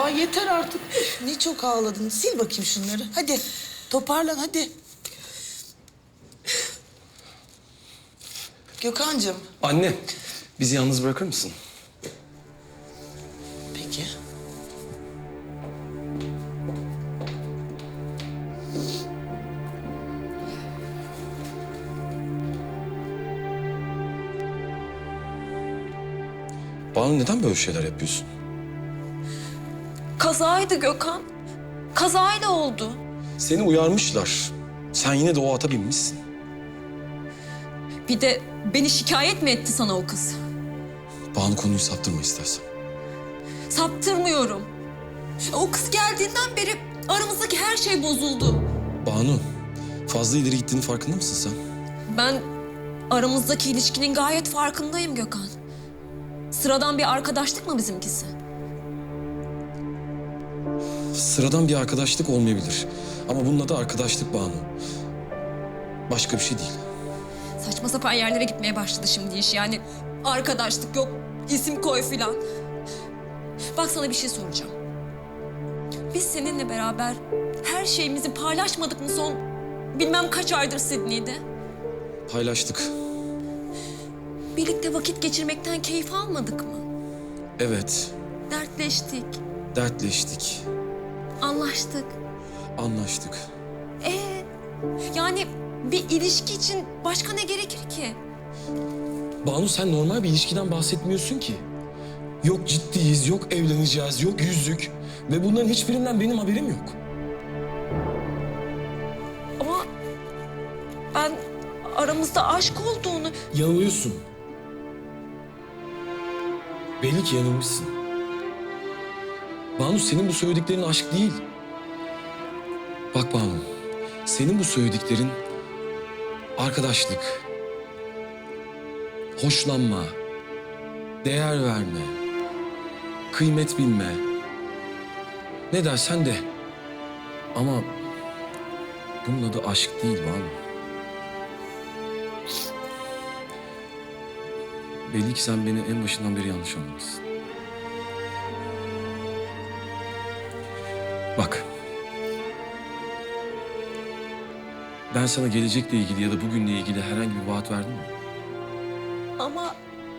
Ya yeter artık. Üf, ne çok ağladın. Sil bakayım şunları. Hadi toparlan hadi. Gökhan'cığım. Anne, bizi yalnız bırakır mısın? Peki. Banu neden böyle şeyler yapıyorsun? Kazaydı Gökhan. Kazayla oldu. Seni uyarmışlar. Sen yine de o ata binmişsin. Bir de beni şikayet mi etti sana o kız? Banu konuyu saptırma istersen. Saptırmıyorum. O kız geldiğinden beri aramızdaki her şey bozuldu. Banu, fazla ileri gittiğinin farkında mısın sen? Ben aramızdaki ilişkinin gayet farkındayım Gökhan. Sıradan bir arkadaşlık mı bizimkisi? Sıradan bir arkadaşlık olmayabilir. Ama bunun adı arkadaşlık Banu. Başka bir şey değil. Saçma sapan yerlere gitmeye başladı şimdi iş. Yani arkadaşlık yok, isim koy filan. Bak sana bir şey soracağım. Biz seninle beraber her şeyimizi paylaşmadık mı son bilmem kaç aydır Sydney'de? Paylaştık. Birlikte vakit geçirmekten keyif almadık mı? Evet, Dertleştik, dertleştik, anlaştık. anlaştık. Yani bir ilişki için başka ne gerekir ki? Banu sen normal bir ilişkiden bahsetmiyorsun ki. Yok ciddiyiz, yok evleneceğiz, yok yüzük. Ve bunların hiçbirinden benim haberim yok. Ama ben aramızda aşk olduğunu... Yanılıyorsun. Belli ki yanılmışsın. Banu senin bu söylediklerin aşk değil. Bak Banu, senin bu söylediklerin arkadaşlık, hoşlanma, değer verme, kıymet bilme. Ne dersen de. Ama bunun adı aşk değil Banu. Belli ki sen beni en başından beri yanlış anlamışsın. Bak. Ben sana gelecekle ilgili ya da bugünle ilgili herhangi bir vaat verdim mi? Ama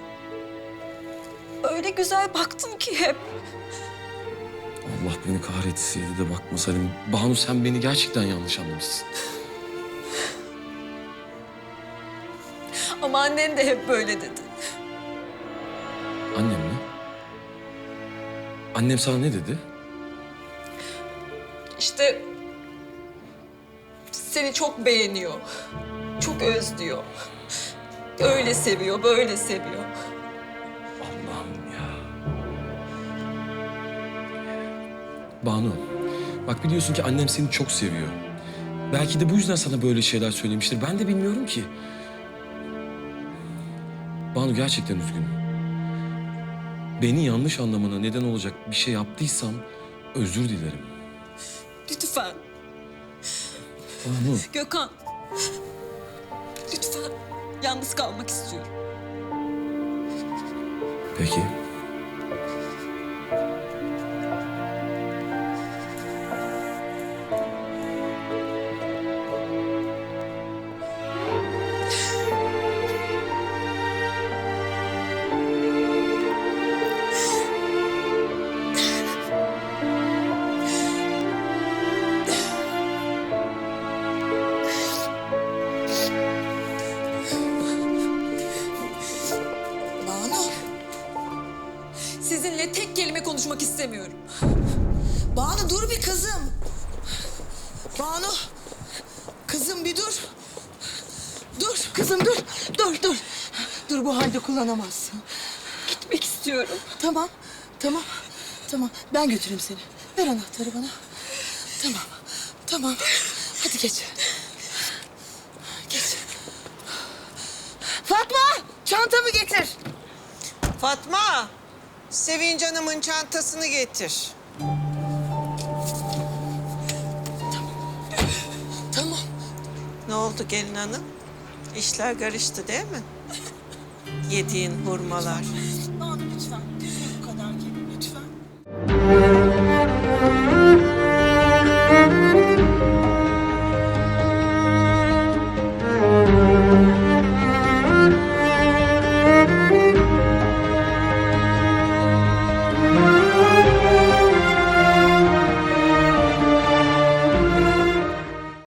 öyle güzel baktım ki hep. Allah beni kahretseydi de bakmasaydım. Banu sen beni gerçekten yanlış anlamışsın. Ama annen de hep böyle dedi. Annem mi? Annem sana ne dedi? İşte seni çok beğeniyor. Çok özlüyor. Öyle seviyor, böyle seviyor. Allah'ım ya. Banu, bak biliyorsun ki annem seni çok seviyor. Belki de bu yüzden sana böyle şeyler söylemiştir. Ben de bilmiyorum ki. Banu gerçekten üzgünüm. Beni yanlış anlamana neden olacak bir şey yaptıysam özür dilerim. Lütfen Banu, Gökhan. Lütfen yalnız kalmak istiyorum. peki. Banu. Sizinle tek kelime konuşmak istemiyorum. Banu dur bir kızım. Banu. Kızım bir dur. Dur kızım dur. Dur. Dur bu halde kullanamazsın. Gitmek istiyorum. Tamam. Tamam. Ben götüreyim seni. Ver anahtarı bana. Tamam. Hadi geç. Geç. Fatma! Çantamı getir. Fatma, Sevinç Hanım'ın çantasını getir. Tamam. Ne oldu gelin hanım? İşler karıştı değil mi? Yediğin hurmalar. Banu lütfen. Bu kadar gelin lütfen.